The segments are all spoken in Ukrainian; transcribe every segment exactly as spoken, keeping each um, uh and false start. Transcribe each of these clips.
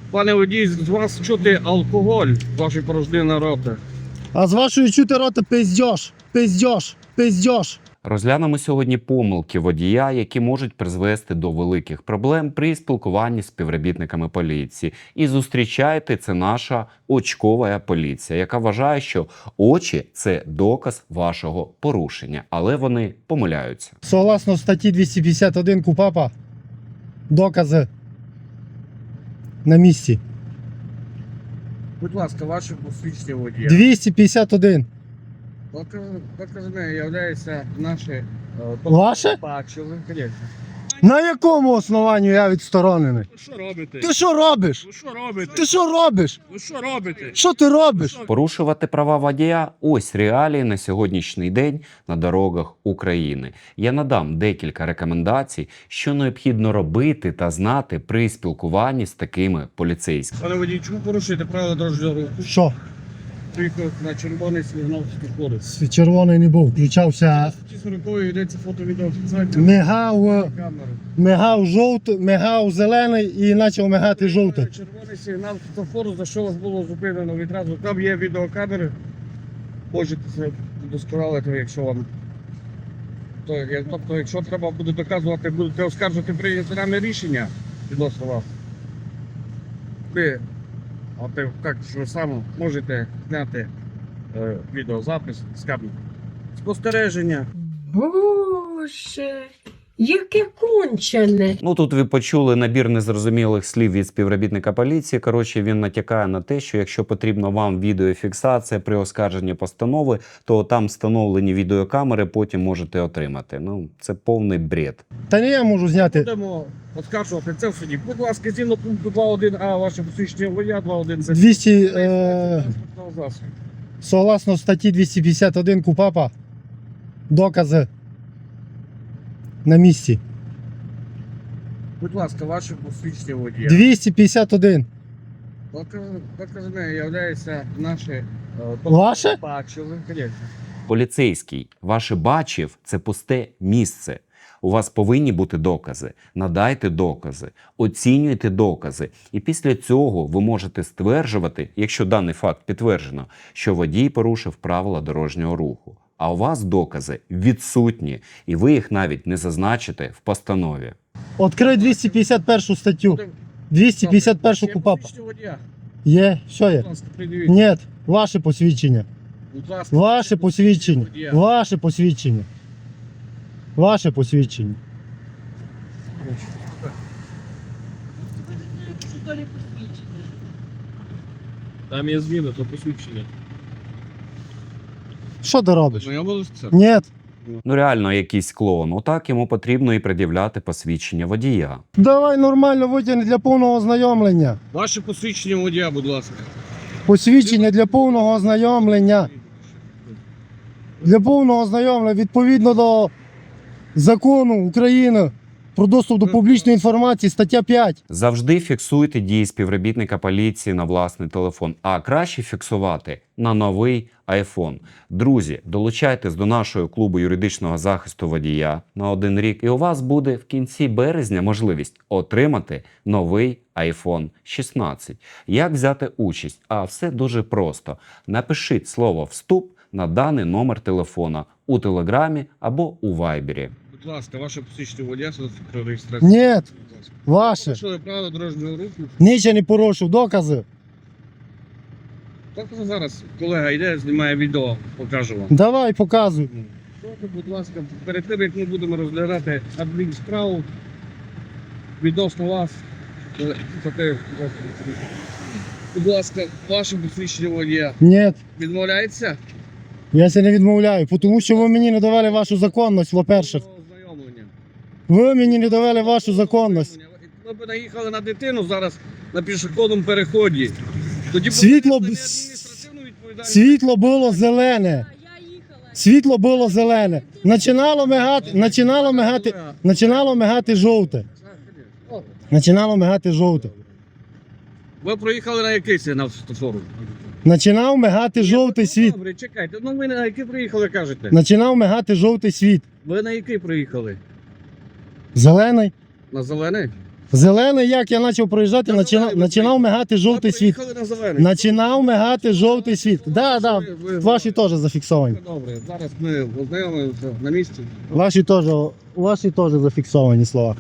Пане водій, з вас чути алкоголь, ваші порожнини роти. А з вашої чути роти пиздьош, пиздьош, пиздьош. Розглянемо сьогодні помилки водія, які можуть призвести до великих проблем при спілкуванні з співробітниками поліції. І зустрічайте, це наша очкова поліція, яка вважає, що очі – це доказ вашого порушення. Але вони помиляються. Согласно статті двісті п'ятдесят один КУпАПа, докази на місці. Будь ласка, ваше посвідчення водія. двісті п'ятдесят один. Доказами являються наші... е, Ваше? Бачили, звісно. На якому основанню я відсторонений? Ви що робите? Ти що робиш? Ви що робите? Ти що робиш? Ви що робите? Що ти робиш? Порушувати права водія – ось реалії на сьогоднішній день на дорогах України. Я надам декілька рекомендацій, що необхідно робити та знати при спілкуванні з такими поліцейськими. Пане водій, чому порушуєте правила дорожнього руху? Що? Приїхав на червоний сигнал світлофору. Червоний не був, включався, Ті сорокової йдеться фото-відеофіксація. мигав, Камеру. мигав жовтий, мигав зелений і почав мигати жовтий. Червоний сигнал світлофору, за що вас було зупинено відразу. Там є відеокамери. Можете це удосконалити, якщо вам. То, як- тобто, якщо треба буде доказувати, будете оскаржувати прийняте нами рішення відносно вас. Ви, а ти так що саме можете зняти е, відеозапис з камери. Спостереження. Боже, яке кончене. Ну, тут ви почули набір незрозумілих слів від співробітника поліції. Коротше, він натякає на те, що якщо потрібно вам відеофіксація при оскарженні постанови, то там встановлені відеокамери, потім можете отримати. Ну, це повний бред. Та не я можу зняти. Будемо оскаржувати це в суді. Будь ласка, згідно пункту два один а ваше посвідчення водія, два один це двісті, е, засобу. согласно статті двісті п'ятдесят один КУпАПа, докази на місці. Будь ласка, ваше посвідчення водія. двісті п'ятдесят один. Доказами являється наші... е, Ваше? Бачили, звісно. Поліцейський, ваше бачив – це пусте місце. У вас повинні бути докази. Надайте докази, оцінюйте докази. І після цього ви можете стверджувати, якщо даний факт підтверджено, що водій порушив правила дорожнього руху. А у вас докази відсутні, і ви їх навіть не зазначите в постанові. Відкрий двісті п'ятдесят першу статтю. двісті п'ятдесят першу Є КУпАПа. посвідчення водія. Є, що є? Будь ласка, придивіть. Ні, ваше посвідчення. Будь ласка, Ваше посвідчення. водія. Ваше посвідчення. Ваше посвідчення. Там є зміна, то посвідчення. Що ти робиш? Знайомились це? Ні. Ну реально якийсь клоун. Отак йому потрібно і пред'являти посвідчення водія. Давай нормально витягни для повного ознайомлення. Ваше посвідчення водія, будь ласка. Посвідчення для повного ознайомлення. Для повного ознайомлення відповідно до закону України про доступ до публічної інформації, стаття п'ять. Завжди фіксуйте дії співробітника поліції на власний телефон, а краще фіксувати на новий айфон. Друзі, долучайтесь до нашого клубу юридичного захисту водія на один рік, і у вас буде в кінці березня можливість отримати новий айфон шістнадцять. Як взяти участь? А все дуже просто. Напишіть слово «Вступ» на даний номер телефона у Телеграмі або у Вайбері. Будь ласка, ваше посвідчення водія, про реєстрацію. Ні, Будь ласка. ваше. Порушили правила дорожнього руху. Нічого не порушив, докази. Так зараз колега йде, знімає відео, покажу вам. Давай, показуй. Добре, будь ласка, перед тим, як ми будемо розглядати адмінсправу відносно вас, е, за те, будь ласка, ваше посвідчення водія Ні, відмовляється? я це не відмовляю, тому що ви мені не довели вашу законність, во-перше. До ознайомлення. Ви мені не довели вашу законність. Ми б наїхали на дитину зараз на пішохідному переході. Тоді б Світло б- ви адміністративну відповідальність. Світло було зелене. Світло було зелене. Начинало мигати, начинало мигати, начинало мигати жовте. Начинало мигати жовте. Ви проїхали на який сигнал світлофору? Начинав мигати жовтий світ. Добре, чекайте. Ну ви на який приїхали, кажете? Начинав мигати жовтий світ. Ви на який приїхали? Зелений. На зелений? Зелений, як я почав проїжджати, На починав, зелений ви починав мигати жовтий Ви світ. приїхали на зелений. Починав мигати жовтий світ. Да, да, Ви- ви- ваші теж зафіксовані. Добре, зараз ми ознайомимося на місці. Ваші теж, ваші теж зафіксовані слова.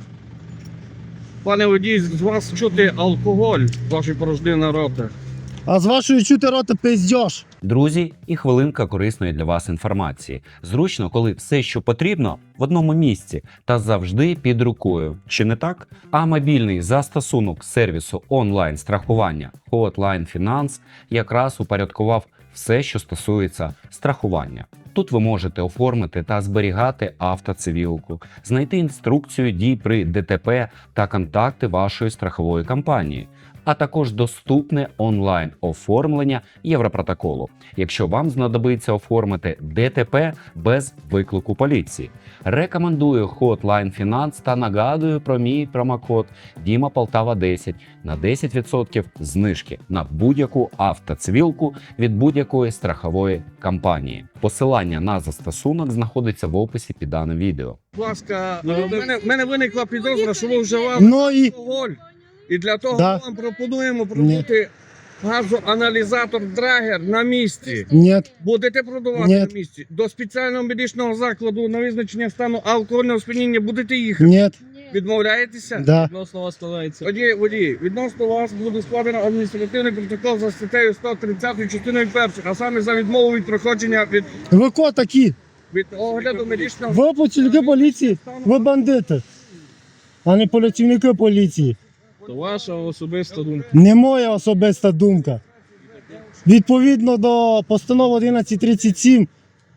Пане водій, з вас чути алкоголь в вашій порожнини рота. А з вашої чути рота пиздьош. Друзі, і хвилинка корисної для вас інформації. Зручно, коли все, що потрібно, в одному місці та завжди під рукою. Чи не так? А мобільний застосунок сервісу онлайн-страхування Hotline Finance якраз упорядкував все, що стосується страхування. Тут ви можете оформити та зберігати автоцивілку, знайти інструкцію дій при ДТП та контакти вашої страхової компанії, а також доступне онлайн-оформлення Європротоколу, якщо вам знадобиться оформити ДТП без виклику поліції. Рекомендую Hotline Finance та нагадую про мій промокод Діма Полтава десять на десять відсотків знижки на будь-яку автоцивілку від будь-якої страхової компанії. Посилання на застосунок знаходиться в описі під даним відео. Будь ласка, в мене, в мене виникла підозра, що ви вживали Ну і алкоголь. І для того Да. ми вам пропонуємо продати газоаналізатор Драгер на місці. ні, Будете продавати Ні. на місці. До спеціального медичного закладу на визначення стану алкогольного сп'яніння будете їхати. ні, Відмовляєтеся? да. Відносно вас складається. Водій, водій, відносно вас буде складено адміністративний протокол за статтею сто тридцять частиною першою, а саме за відмову від проходження від, Ви ко такі? від огляду медичного Ви працівники поліції, ви бандити, а не працівники поліції. То ваша особиста думка. Не моя особиста думка. Відповідно до постанови одинадцять тридцять сім,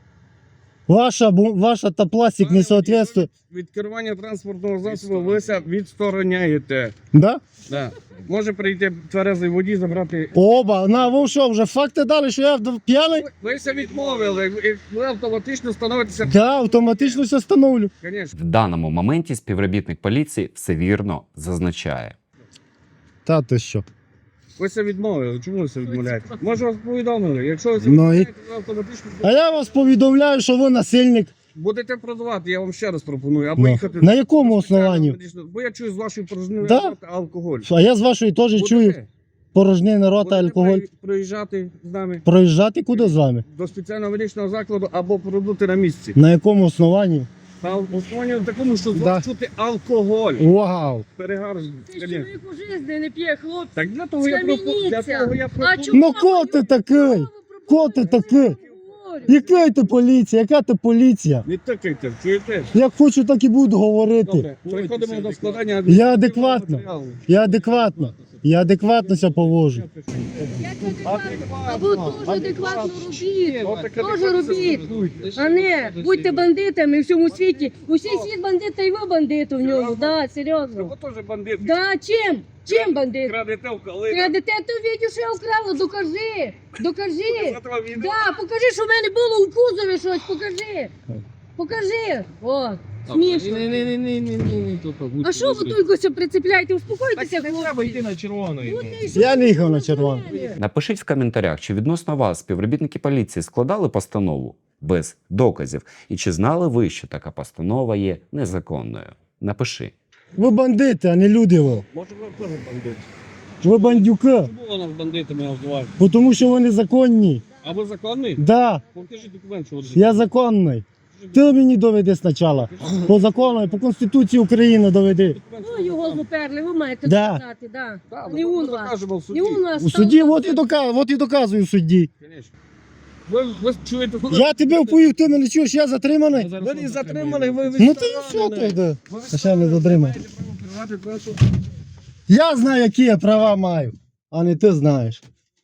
ваша, бу- ваша та пластик не соответствує. від керування транспортного засобу ви ся відстороняєте. Да? Да. Може прийти тверезий водій, забрати. Оба, на ви що, вже факти дали, що я вд- п'яний? Ви ся відмовили, і ви автоматично становитеся. Да, автоматично все встановлю. Звісно. В даному моменті співробітник поліції все вірно зазначає. Та ти що? Ви ся відмовили. Чому ви ся відмовляєте? Може вас повідомили. Якщо ви ся Ну і- відмовляєте, ви автоматично А я вас повідомляю, що ви насильник. будете продавати, я вам ще раз пропоную. Або Ну. їхати. На якому до спеціального основанні? медичного- Бо я чую з вашої порожнини Да? рота алкоголь. А я з вашої теж Будете? чую порожнини рота, Будете алкоголь. при- Проїжджати з нами Проїжджати куди з вами? до спеціального медичного закладу або продути на місці. На якому основанні? На основанні такому, що з Да. вас чути алкоголь. Вау! Перегар. Ти звісно. чоловік у житті не п'є, хлопці. Так для того я пропоную. Для Схаменіться. того я А пропоную. чому Ну ко ти такий? Ко ти такий? Яка ти поліція? Яка ти поліція? Не тикайте, чуєте? Як хочу, так і буду говорити. Добре, переходимо до складання. Я адекватно. Я адекватно. Я адекватно себе поводжу. Або дуже адекватно робіть. Отаке Тоже робіть. А не, будьте бандитами в всьому світі. Усі світ бандити, і ви бандити в ньому. Да, серйозно. Ви теж бандит. Да, чим? Чим бандит? Крадете в калину. Крадете, то відео, що я вкрала, докажи. Докажи. Завтра відео. Да, покажи, що в мене було у кузові щось, покажи. Покажи. О, смішно. Ні, ні, ні, ні, ні, ні, ні, тут А що ви тільки все прицепляєте? Успокойтеся, Так не треба йти хлопці. на червоний. Ну, ти що Я не їхав ви на червоне. мене? Напишіть в коментарях, чи відносно вас співробітники поліції складали постанову без доказів, і чи знали ви, що така постанова є незаконною. Напиши. Ви бандити, а не люди ви. Може ви теж бандит. Ви бандюки. Чому нас бандитами обзивають? Бо Тому що ви незаконні. А ви законний? Да, Покажіть документ, що ви я законний. Ти мені доведи спочатку. По закону, по Конституції України доведи. Ну, його зуперли, ви маєте Да. доказати, да. Так, Не ми он вас. докажемо в Не суді. у нас. У там суді, у нас от і доказую, от і доказую в суді. Конечно. Ви, ви чуєте, ви Я тебе впою, ти мене чуєш, я затриманий. ви не затримали, ви Ну ти що ти? йде? А ще не затримав. затримали. Я знаю, які я права маю, а не ти знаєш.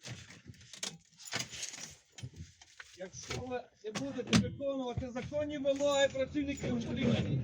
Якщо ви не будете виконувати законні вимоги працівників поліції,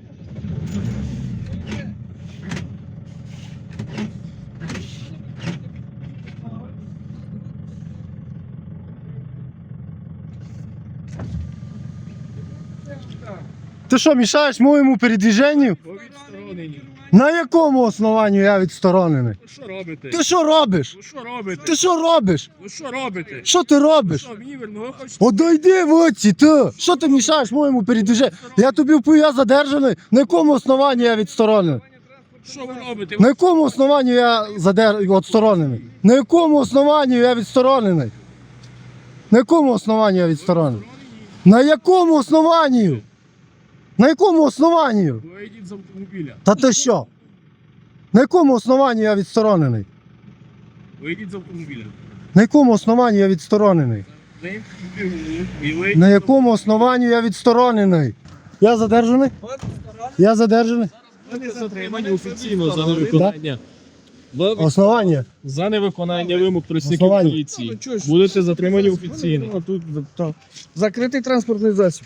Ти що, мішаєш моєму передвіженню? Ви відсторонені. На якому основанні я відсторонений? Ви що робите? Ти що робиш? Ви що робите? Ти що робиш? Ви що робите? Що ти робиш? Що, мені верно, ви хочете? Одойди в оці, ти! Що ти мішаєш моєму передвіженню? Я тобі впою, я задержаний. На якому основанні я відсторонений? Що ви робите? На якому основанні я задер... відсторонений? На якому основанні я відсторонений? На якому основанні я відсторонений? На якому основанні? На якому основанні? Вийдіть з автомобіля. Та ти що? На якому основанні я відсторонений? Вийдіть з автомобіля. На якому основанні я відсторонений? Ви і ви. На якому основанні я відсторонений? Я задержаний? Я задержаний? Ви затримані офіційно за невиконання. Ви Основання? за невиконання вимог працівників Основання. поліції. Будете затримані офіційно. Ну, тут, так. Закритий транспортний засіб.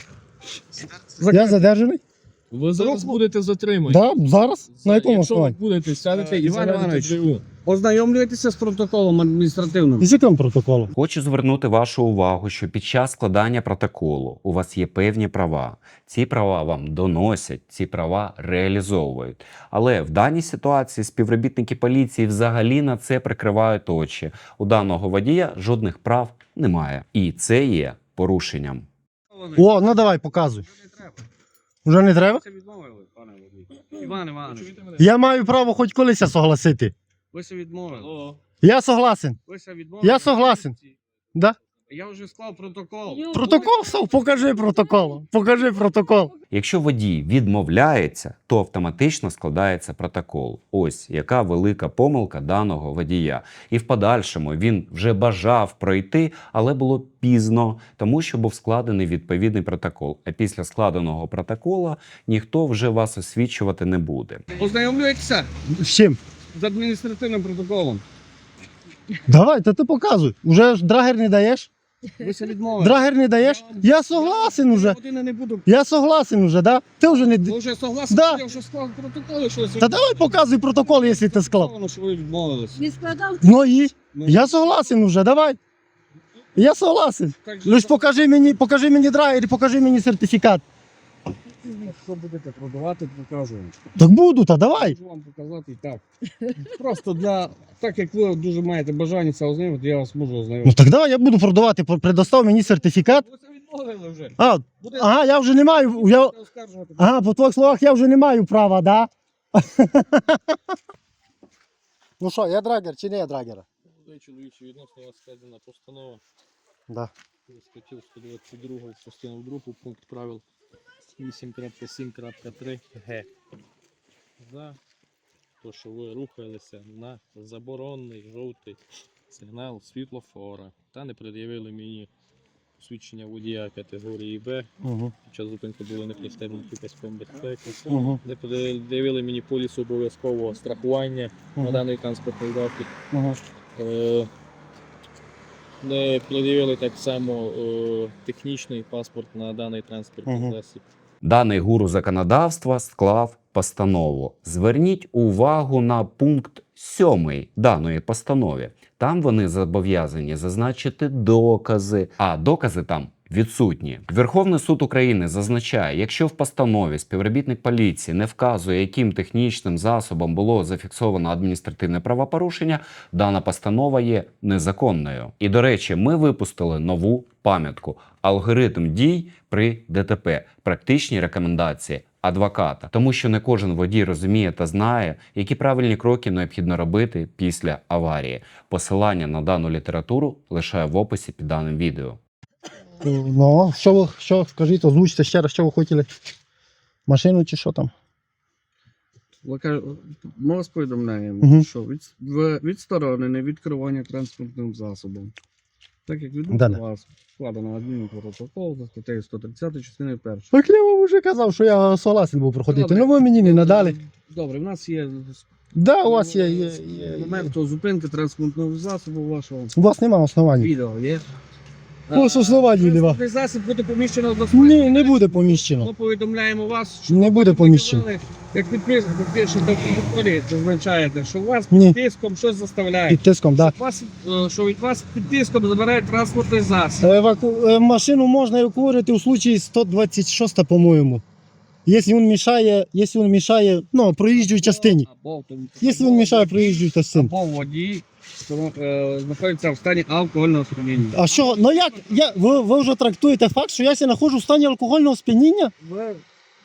Я задержаний? Ви зараз будете затримані. Да, зараз? На якому Якщо ви основанні? будете сядете і Іван заведете Іванович. ДВУ. Ознайомлюєтеся з протоколом адміністративним. І з яким протоколом? Хочу звернути вашу увагу, що під час складання протоколу у вас є певні права. Ці права вам доносять, ці права реалізовують. Але в даній ситуації співробітники поліції взагалі на це прикривають очі. У даного водія жодних прав немає. І це є порушенням. О, ну давай, показуй. Вже не треба? Ви відмовили, пане водій. Іван Іванович, Я маю право хоч колись согласити. ви се відмовили. Я согласен. Ви се відмовили. Я согласен. Да? Я вже склав протокол. Протокол став? Покажи протокол. Покажи протокол. Якщо водій відмовляється, то автоматично складається протокол. Ось яка велика помилка даного водія. І в подальшому він вже бажав пройти, але було пізно, тому що був складений відповідний протокол. А після складеного протокола ніхто вже вас освічувати не буде. Ознайомлюєтеся З чим? з адміністративним протоколом. Давай, та ти показуй. Уже ж драгер не даєш? Ви се відмовили. Драгер не даєш? Я согласен уже. Години не буду. Я согласен уже, да? Ти вже не... Ви вже согласні, Да. я вже склав протокол, що ви се Та давай показуй протокол, якщо ти склав. відмовили, що ви відмовились. Не складав? Ну і? Ну, Я согласен уже, давай. Я согласен. так же, Лиш що- покажи мені, покажи мені драгер і покажи мені сертифікат. Що будете продавати, покажу. Так буду, та давай. Можу вам показати і так. Просто для... Так як ви дуже маєте бажання це ознайомити, я вас можу Ну ознайомити. так давай, я буду продавати, предостав мені сертифікат. Ви це відмовили вже. А, Буде ага, я вже не маю. Я... оскаржувати. Ага, по твоїх словах я вже не маю права, да? Ну що, я драгер чи не я драгера? Чоловічі, відносно вас складена постанова. Да. Статтю сто двадцять два, частину другу, пункт правил вісім крапка сім крапка три ге. За те, що ви рухалися на заборонений жовтий сигнал світлофора та не пред'явили мені свідчення водія категорії Б. Угу. Під час зупинки були не пристебнуті паском безпеки. Угу. Не пред'явили мені поліс обов'язкового страхування на даний транспортний засіб. Угу. Е, Не пред'явили так само е, технічний паспорт на даний транспортний Мгм. засіб. Даний гуру законодавства склав постанову. Зверніть увагу на пункт сьомий даної постанови. Там вони зобов'язані зазначити докази, а докази там відсутні. Верховний суд України зазначає, якщо в постанові співробітник поліції не вказує, яким технічним засобом було зафіксовано адміністративне правопорушення, дана постанова є незаконною. І, до речі, ми випустили нову пам'ятку «Алгоритм дій при ДТП. Практичні рекомендації адвоката». Тому що не кожен водій розуміє та знає, які правильні кроки необхідно робити після аварії. Посилання на дану літературу лишаю в описі під даним відео. Ну, що ви, що, скажіть, озвучте ще раз, що ви хотіли? Машину чи що там? Ви кажете, Ми вас повідомляємо, Мгм. що від, ви відсторонене від керування транспортним засобом. Так як відносно Да-да. вас складено адмінпротокол за статтею сто тридцять частини першої. Так я вам вже казав, що я согласен був проходити. Добре. Ну ви мені не надали. Добре, в нас є Да, у вас є, є, з є, є. моменту зупинки транспортного засобу вашого У вас нема основань. відео є. Ось основань нема. Транспортний засіб буде поміщено до Ні, не буде поміщено. Ми повідомляємо вас, що Не буде поміщено. ви, як підписник, підпишете в протоколі, зазначаєте, що вас Ні. під тиском щось заставляє. Під тиском, так. Вас, е, що від вас під тиском забирають транспортний засіб. Да. Еваку... е, Машину можна евакуювати у случаї сто двадцять шість, по-моєму. Якщо він мішає, якщо він мішає, ну, проїжджій частині. Або, або, Якщо він мішає проїжджій частині. або водій що, е, знаходиться в стані алкогольного сп'яніння. А що, ну як, я, ви, ви вже трактуєте факт, що я ся знаходжу в стані алкогольного сп'яніння? Ви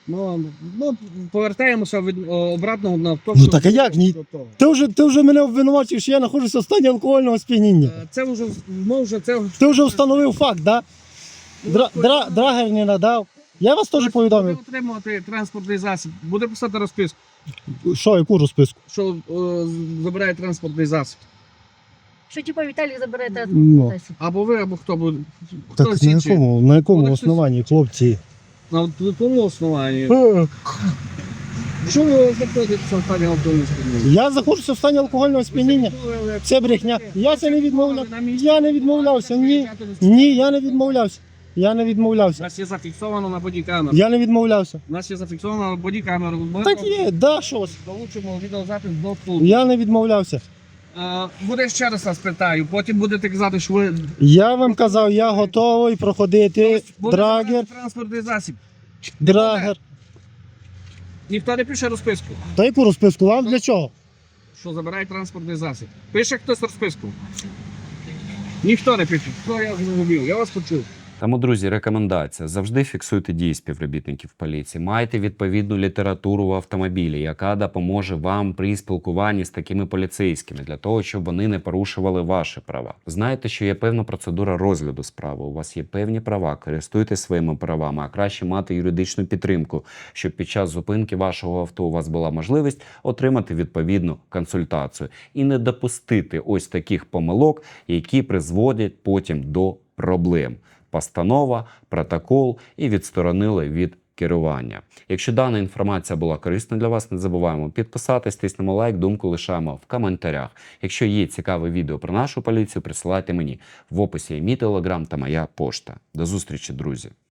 Ну, ну, повертаємося від о, обратно на то, Ну, що- так а як ні? до того. Ти вже, ти вже мене обвинувачив, що я знаходжуся в стані алкогольного сп'яніння. Е, Це вже, ми вже це... Ти вже встановив факт, да? Дра, дра, драгер не надав. Я вас теж повідомив. Буде отримувати транспортний засіб, буде писати розписку, Що, яку розписку? що о, забирає транспортний засіб. Що типа Віталій забере та Ну. Або ви, або хто буде. Хто Так на інший. якому, на якому Ну, так щось- основанні, хлопці? На якому основанні? Е, Що ви знаходитеся в стані алкогольного сп'яніння? Я знаходжуся в стані алкогольного сп'яніння. Це брехня. Я це не відмовляв. Я не відмовлявся. Ні. Ні, я не відмовлявся. Я не У відмовлявся. нас є зафіксовано на бодікамеру. Я не відмовлявся. У нас є зафіксовано на бодікамеру. Ми Так є, да, щось. долучимо відеозапис до суду. Я не відмовлявся. Е, Буде ще раз вас питаю, потім будете казати, що ви Я вам казав, я готовий проходити буде драгер, забирати транспортний засіб. драгер. Ніхто не пише розписку, Та яку розписку? Вам для чого? що забирає транспортний засіб. Пише хтось розписку. Ніхто не пише. Що я зрозумів? Я вас почув. Тому, друзі, рекомендація: завжди фіксуйте дії співробітників поліції. Майте відповідну літературу в автомобілі, яка допоможе вам при спілкуванні з такими поліцейськими, для того, щоб вони не порушували ваші права. Знаєте, що є певна процедура розгляду справи. У вас є певні права, користуйтесь своїми правами, а краще мати юридичну підтримку, щоб під час зупинки вашого авто у вас була можливість отримати відповідну консультацію і не допустити ось таких помилок, які призводять потім до проблем. Постанова, протокол і відсторонили від керування. Якщо дана інформація була корисна для вас, не забуваємо підписатись, тиснемо лайк, думку лишаємо в коментарях. Якщо є цікаве відео про нашу поліцію, присилайте мені. В описі є мій телеграм та моя пошта. До зустрічі, друзі!